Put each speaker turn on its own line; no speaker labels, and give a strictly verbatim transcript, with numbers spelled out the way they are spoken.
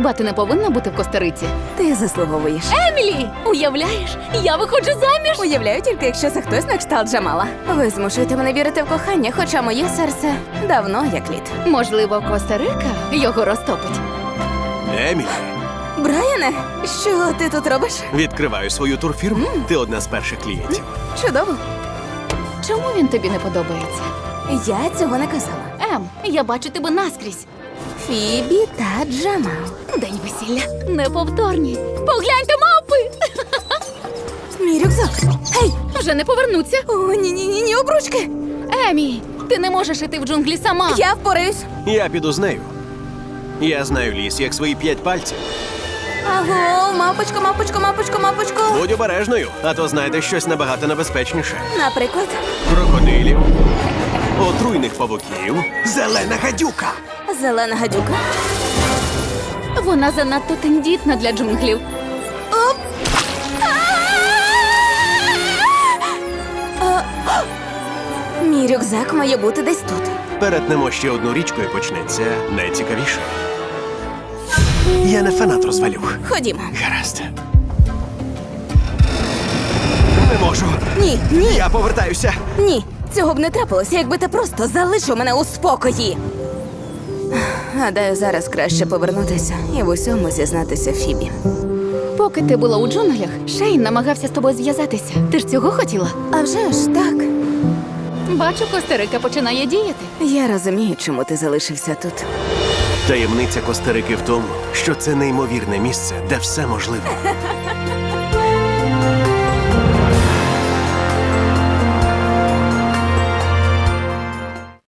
Хіба ти не повинна бути в Коста-Риці?
Ти заслуговуєш.
Емілі! Уявляєш, я виходжу заміж!
Уявляю тільки, якщо це хтось на кшталт Джамала. Ви змушуєте мене вірити в кохання, хоча моє серце давно як лід.
Можливо, Коста-Рика його розтопить.
Емілі,
Брайане, що ти тут робиш?
відкриваю свою турфірму. Ти одна з перших клієнтів.
Чудово.
Чому він тобі не подобається?
Я цього не казала.
Ем, я бачу тебе наскрізь.
Фібі та Джамал.
День весілля. Неповторні. Погляньте, мавпи!
Мій рюкзак. Гей!
Вже не повернуться.
О, ні-ні-ні, ні, обручки.
Емі, ти не можеш іти в джунглі сама.
Я впораюсь.
Я піду з нею. Я знаю ліс, як свої п'ять пальців.
Аго, мапочко, мапочко, мапочко, мапочко.
Будь обережною, а то знайдеш щось набагато небезпечніше.
Наприклад,
Крокодилів, отруйних павуків, зелена гадюка.
зелена гадюка.
Вона занадто тендітна для джунглів.
Оп! А! Мій рюкзак має бути десь тут.
Перетнемо ще одну річку і почнеться найцікавіше. Я не фанат розвалюх.
Ходімо.
Гаразд. Не можу.
Ні, ні,
Я повертаюся.
ні. Цього б не трапилося, якби ти просто залишив мене у спокої. Гадаю, зараз краще повернутися і в усьому зізнатися Фібі.
Поки ти була у джунглях, Шейн намагався з тобою зв'язатися. Ти ж цього хотіла?
А вже ж так.
Бачу, Коста-Рика починає діяти.
Я розумію, чому ти залишився тут.
Таємниця Коста-Рики в тому, що це неймовірне місце, де все можливо.